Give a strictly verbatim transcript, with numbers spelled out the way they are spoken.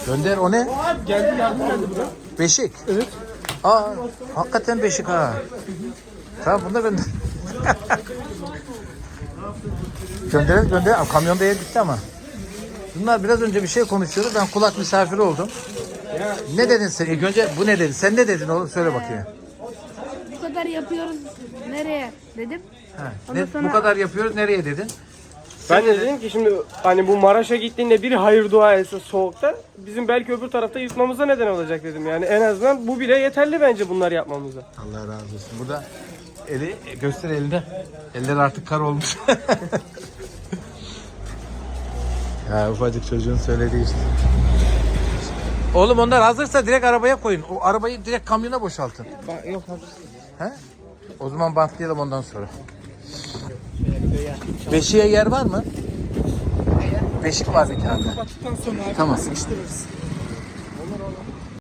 Gönder o ne? Geldi yardım geldi buna. Beşik. Evet. Aa, hakikaten beşik ha. Tamam bunu da gönder. Gönderelim gönder. Aa, kamyonda yer bitti ama. Bunlar biraz önce bir şey konuşuyordu. Ben kulak misafiri oldum. Ne dedin sen? İlk önce bu ne dedin? Sen ne dedin oğlum? Söyle bakayım. Bu kadar yapıyoruz. Nereye dedim. Ha, Ondan ne- sonra- Bu kadar yapıyoruz. Nereye dedin? Ben de dedim ki şimdi hani bu Maraş'a gittiğinde biri hayır dua etse soğukta bizim belki öbür tarafta yırtmamıza neden olacak dedim. Yani en azından bu bile yeterli bence bunlar yapmamıza. Allah razı olsun. Burada eli göster elinde. Eller artık kar olmuş. Ya ufacık çocuğun söylediği işte. Oğlum onlar hazırsa direkt arabaya koyun. O arabayı direkt kamyona boşaltın. Yok abi. He? O zaman bantlayalım ondan sonra. Beşiğe yer var mı? Beşik var bir tane. Kapattıktan sonra abi Tamam. sıkıştırırız.